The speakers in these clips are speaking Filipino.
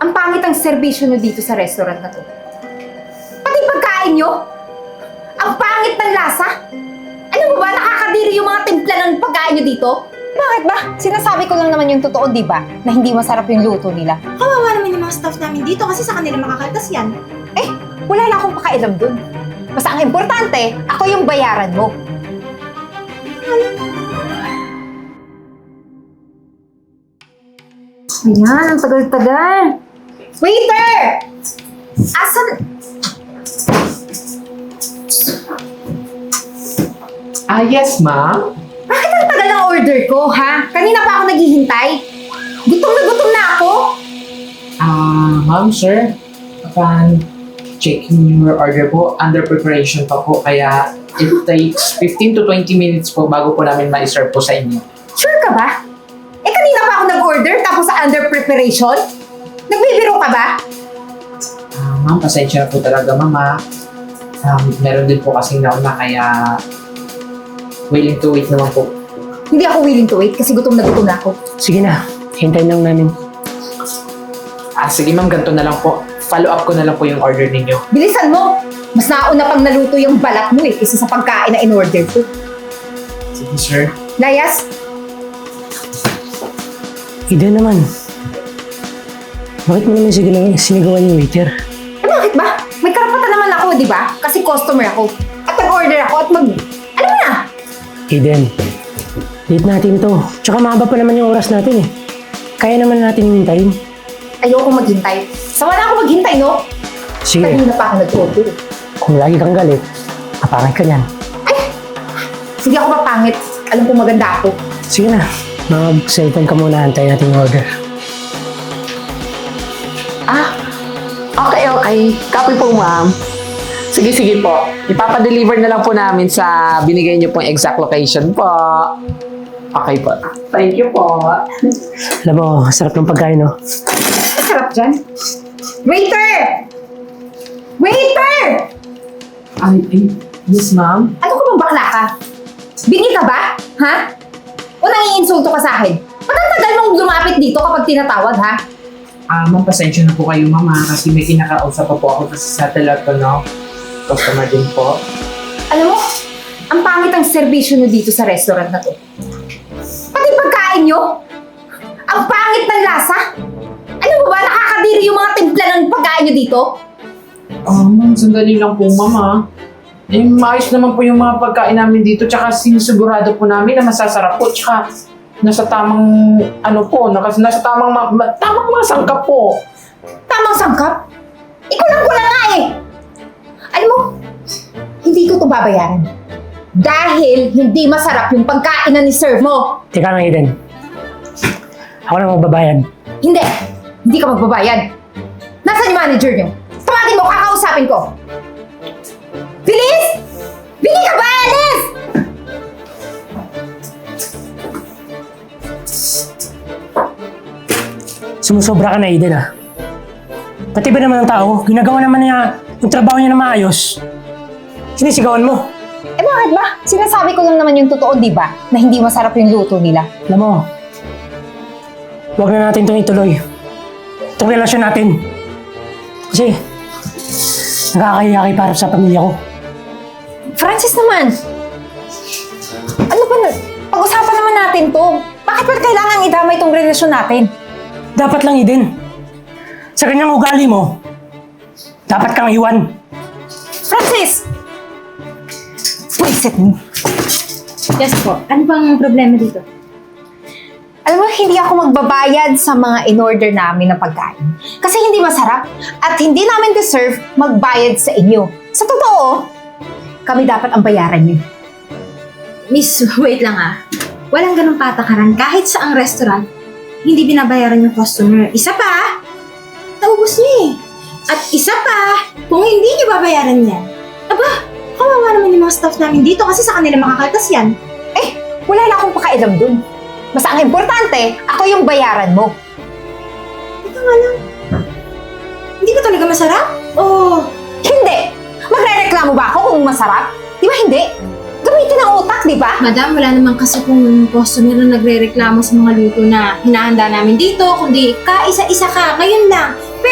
Ang pangit ang serbisyo nyo dito sa restaurant na to. Pati pagkain nyo, ang pangit ng lasa. Ano ba ba, nakakadiri yung mga timpla ng pagkain nyo dito? Bakit ba? Sinasabi ko lang naman yung totoo, di ba? Na hindi masarap yung luto nila. Kawawa naman yung mga staff namin dito kasi sa kanila makakaltas yan. Eh, wala na akong pakailam dun. Basta ang importante, ako yung bayaran mo. Ayan, ang tagal-tagal. Waiter! Asan? Yes, ma'am. Bakit ang tagal ng order ko, ha? Kanina pa ako naghihintay. Gutom na ako. Ma'am, sir. Upon checking your order po, under preparation pa po, kaya it takes 15 to 20 minutes po bago po namin ma-serve po sa inyo. Sure ka ba? Eh, kanina pa ako nag-order tapos under preparation? Nagbibiro ka ba? Ma'am, pasensya na po talaga, mama. Meron din po kasing nauna, kaya willing to wait naman po. Hindi ako willing to wait kasi gutom na ako. Sige na, hintayin lang namin. Sige ma'am, ganito na lang po. Follow up ko na lang po yung order ninyo. Bilisan mo! Mas nauna pang naluto yung balat mo kaysa sa pagkain na in-order ko. Sige, sir. Layas, Ida naman. Bakit mo naman sinigawan yung waiter? eh bakit ba? May karapatan naman ako, di ba? Kasi customer ako. At nag-order ako at ano mo na? Eden, late natin to. Tsaka mahaba pa naman yung oras natin eh. Kaya naman natin hintayin. Ayoko maghintay. Sawa na ako maghintay, no? Sige, Kanina pa ako nag-order. kung lagi kang galit, kapangay ka niyan. Hindi ako mapangit. Alam ko maganda ako. Sige na, mag-cellphone ka muna, antayin natin yung order. Okay. Copy po, ma'am. Sige po. Ipapadeliver na lang po namin sa binigay niyo pong exact location po. Okay po. Thank you po. Alam mo, sarap ng pagkain, no? Sarap dyan. Waiter! Waiter! Yes, ma'am. Ano ka bang bakla ka? Bingi ka ba? Ha? O nangiinsulto ka sa akin? Ba't ang tagal mong lumapit dito kapag tinatawag, ha? Ma'am, pasensya na po kayo, mama, kasi may kinakausap pa po ako kasi sa telepono. Customer din po. Alam mo, ang pangit ang serbisyo nyo dito sa restaurant na to. Pati pagkain nyo, ang pangit ng lasa. Ano ba ba, nakakadiri yung mga timpla ng pagkain nyo dito? Ma'am, sandali lang po, mama. Maayos naman po yung mga pagkain namin dito, tsaka sinisigurado po namin na masasarap po, tsaka nasa tamang, nasa tamang mga sangkap po. Tamang sangkap? Ikulang-kulang nga eh! Alam mo, hindi ko ito babayaran. Dahil hindi masarap yung pagkain na ni-serve mo. Teka lang, Eden. Ako na magbabayad. Hindi! Hindi ka magbabayad. Nasaan yung manager nyo? Tawagin mo, kakausapin ko. Bilis! Bili ka ba, Alice? Sumusobra ka na, Eden, ah. Pati ba naman ang tao, ginagawa naman niya yung trabaho niya na maayos. Sinisigawan mo. Eh bakit ba? Sinasabi ko lang naman yung totoo, di ba? Na hindi masarap yung luto nila. Alam mo, huwag na natin itong ituloy. Itong relasyon natin. Kasi, nakakahiya kay para sa pamilya ko. Francis naman! Ano ba na? Pag-usapan naman natin to. Bakit ba kailangan idamay itong relasyon natin? Dapat lang, Eden. Sa ganyang ugali mo, dapat kang iwan. Francis! Pwisit mo. Yes po. Ano bang problema dito? Alam mo, hindi ako magbabayad sa mga in-order namin na pagkain. Kasi hindi masarap at hindi namin deserve magbayad sa inyo. Sa totoo, kami dapat ang bayaran niyo. Miss, wait lang ah. Walang ganong patakaran kahit sa ang restaurant, hindi binabayaran yung customer. Isa pa, naubos niyo eh. At isa pa, kung hindi niyo babayaran yan, aba, kawawa naman yung mga staff namin dito kasi sa kanila makakaltas yan. Eh, wala na akong pakailam dun. Basta ang importante, ako yung bayaran mo. Ito nga lang. Hindi ba talaga masarap? Oh, Hindi! Magre-reklamo ba ako kung masarap? Di ba hindi? Gamitin ang utak, di ba? madam, wala naman kasi kung customer na nagre-reklamo sa mga luto na hinahanda namin dito, kundi kaisa-isa ka, ngayon lang.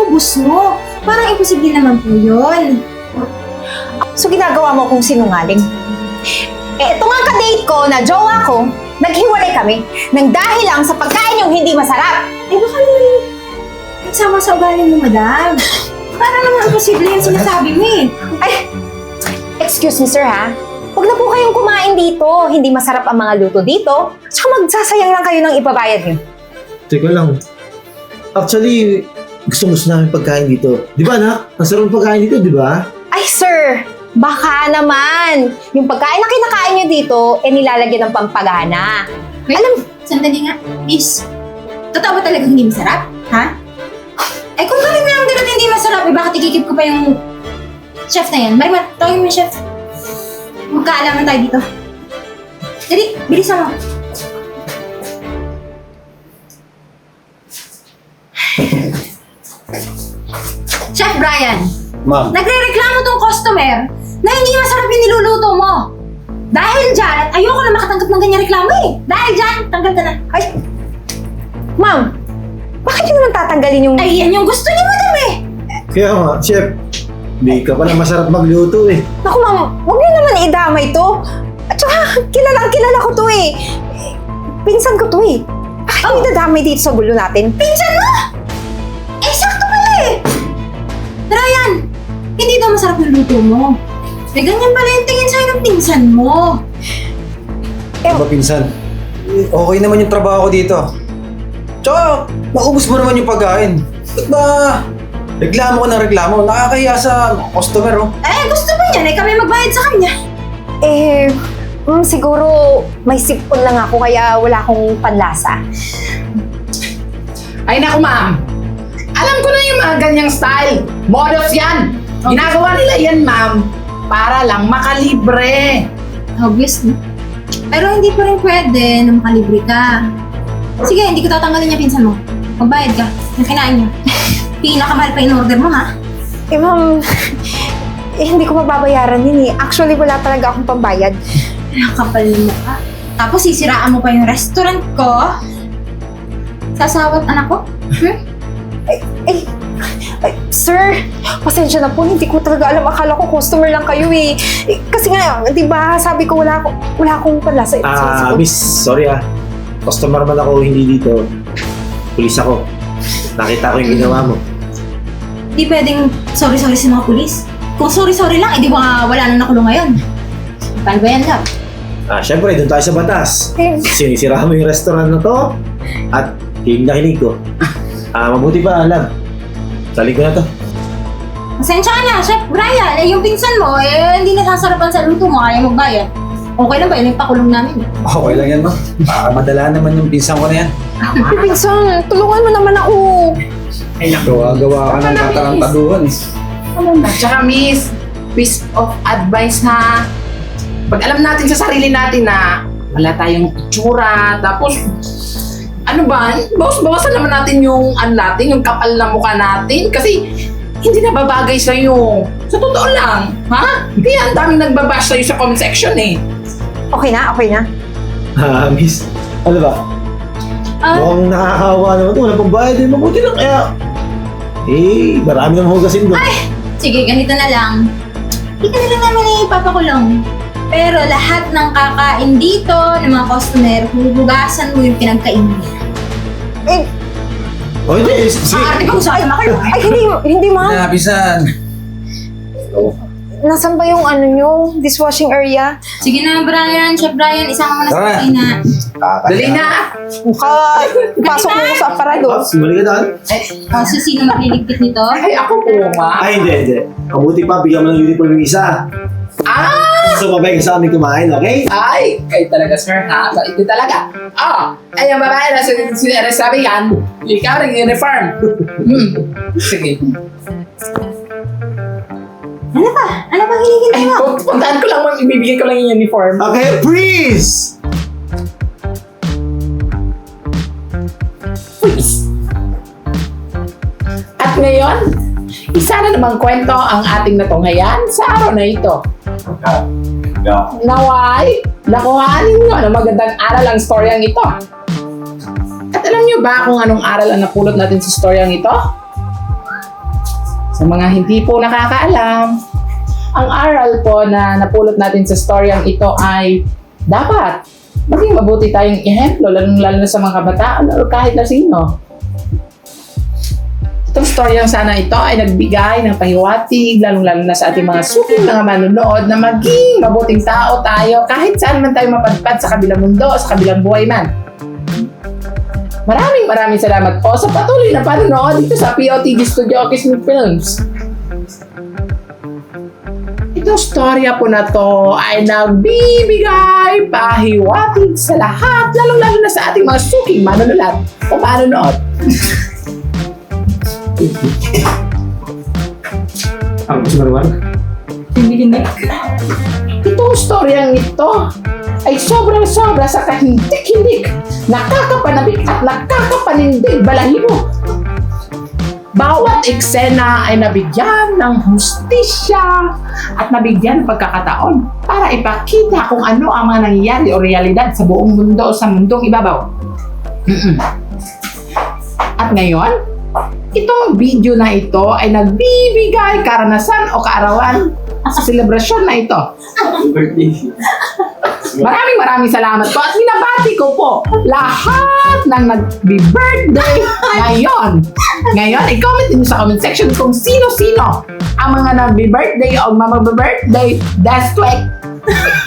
naubos mo. Parang imposible naman po yun. So ginagawa mo kung sinungaling. Ito nga ka-date ko na jowa ko, naghiwalay kami nang dahil lang sa pagkain yung hindi masarap. Baka naman nagsama sa ugali mo, madam. Parang naman imposible yung sinasabi mo eh. Ay, excuse me sir ha. Huwag na po kayong kumain dito. Hindi masarap ang mga luto dito. Tsaka magsasayang lang kayo ng ibabayad niyo. Teka lang. Actually, gusto namin pagkain dito. Di ba, anak? Ang sarap ng pagkain dito, di ba? Ay sir, baka naman. Yung pagkain na kinakain niyo dito, nilalagyan ng pampagana. Alam, sandali nga. Miss, totoo ba talaga hindi masarap? Ha? Ay, kung galing na lang din at hindi masarap, bakit ikikip ko pa yung chef na yan? Marimar, tawagin mo yung chef. Magkaalaman tayo dito. Dali, bilisan mo. Chef Brian, Ma'am. nagre-reklamo tong customer na hindi masarap yung niluluto mo. Dahil dyan, at ayoko na makatanggap ng ganyan reklamo eh. Dahil dyan, tanggal ka na. Ay, ma'am, bakit niyo naman tatanggalin yung... Ay, yan yung gusto niyo, madam eh. Kaya nga, chef. Di ka pala masarap magluto eh. Naku ma'am, huwag niyo naman idamay to. At saka, kilala ko to eh. Pinsan ko to eh. Bakit niyo idadamay dito sa gulo natin? Pinsan mo? Eh, sakto pala eh. Ryan, hindi daw masarap yung luto mo. Eh, ganyan pala yung tingin sa'yo ng pinsan mo. Ano ba, pinsan? Okay naman yung trabaho ko dito. Tsaka, naubos mo naman yung pagkain. Ba't ba reklamo ko ng reklamo? Nakakahiya sa customer, oh. Eh, gusto ba niyan? Eh, kami magbayad sa kanya. Siguro may sipon lang ako kaya wala akong panlasa. Ay naku ma'am, alam ko na yung mga ganyang style. Models yan. Ginagawa nila yan ma'am para lang makalibre. Obviously. Pero hindi pa rin pwede na makalibre ka. Sige, hindi ko tatanggalin yung pinsan mo. Magbayad ka. Yung kinain niya. Pinakamahal pa in order mo, ha? Ma'am, hindi ko mababayaran yun eh. Actually, wala talaga akong pambayad. Nakakapal mo ka. Tapos sisiraan mo pa yung restaurant ko. Sasawat anak ko? Sir, pasensya na po. Hindi ko talaga alam. Akala ko customer lang kayo eh. Kasi nga, di ba, sabi ko wala akong panlasa. Miss, sorry ah. Customer man ako, hindi dito. Pulis ako. Nakita ko yung ginawa mo. Di pwedeng sorry-sorry sa mga pulis. Kung sorry-sorry lang, edi ba wala nang nakulong ngayon? Paano ba yan, love? Siyempre, doon tayo sa batas. Sinisira mo yung restaurant na to at hiling na hiling ko. Mabuti pa, love. Saling ko na to. Pasensya ka na, Chef Brian. Eh, yung pinsan mo, hindi nasasarapan sa luto mo, ayaw magbayad. Okay lang ba? Yun yung pakulong namin. Okay lang yan, ma. Madala naman yung pinsan ko na yan. Pinsan, tulungan mo naman ako. Gawa-gawa ka ng katarantaduhan eh. At saka miss, piece of advice ha. Pag alam natin sa sarili natin na wala tayong itsura, tapos ano ba, bawas-bawasan naman natin yung yung kapal na mukha natin kasi hindi na babagay sa'yo. Sa totoo lang, ha? Kaya ang daming nagbabash sa'yo sa comment section eh. Okay na. Miss, ano ba? Mukhang nakakawa naman ito. Walang pambayad din. Mabuti lang kaya. Marami nang hugasin doon. Sige, ganito na lang. Hindi ka na lang naman ipapakulong. Pero lahat ng kakain dito, ng mga customer, huhugasan mo yung pinagkain niya. Hindi. Sige. Arte ka, usap naman kayo. Ay, hindi ma'am. Pinsan. Nasaan ba yung dishwashing area? Sige na, Brian, Chef Brian, isama mo na sa Tara. kusina. Dali na! Pasok mo ko sa aparador. Sumali ka doon. So, sino magliligpit nito? Ay, ako po, ma. Hindi. Mabuti pa, bigyan mo ng uniform yung isa. Sumabay ka sa amin kumain, okay? Ay, kayo talaga, sir, ha? Ito talaga. Ay, ang babae na sabi yan, ikaw rin uniform. Sige. Ano ba? Ano bang hinihintay Ay, mo? puntahan ko lang, ibibigay ko lang yung uniform. Okay, freeze! Please. At ngayon, isa na namang kwento ang ating natunghayan sa araw na ito. Naway, nakuhanin nyo ng magandang aral ang storyang ito. At alam nyo ba kung anong aral ang napulot natin sa storyang ito? Sa mga hindi po nakakaalam, ang aral po na napulot natin sa storyang ito ay dapat maging mabuti tayong ehemplo, lalo na sa mga kabataan o kahit na sino. Itong storyang sana ito ay nagbigay ng pahiwatig, lalo na sa ating mga suking mga manunood na maging mabuting tao tayo kahit saan man tayo mapadpad sa kabilang mundo, sa kabilang buhay man. Maraming salamat po sa patuloy na panonood dito sa POTG Studio Kismet Films. Itong storya po na to ay nagbibigay pahiwatig sa lahat, lalo na sa ating mga suking manunulat o manonood. Ang gusto mo naman? Itong storyang ito ay sobrang-sobra sa kahindik-hindik, nakakapanabik at nakakapanindig balahibo. Bawat eksena ay nabigyan ng hustisya at nabigyan ng pagkakataon para ipakita kung ano ang mga nangyayari o realidad sa buong mundo o sa mundong ibabaw. At ngayon, itong video na ito ay nagbibigay karanasan o kaarawan sa selebrasyon na ito. Maraming salamat po at binabati ko po lahat ng nag-birthday ngayon. Ngayon, i-comment niyo sa comment section kung sino-sino ang mga nag-birthday o mamag-birthday this week.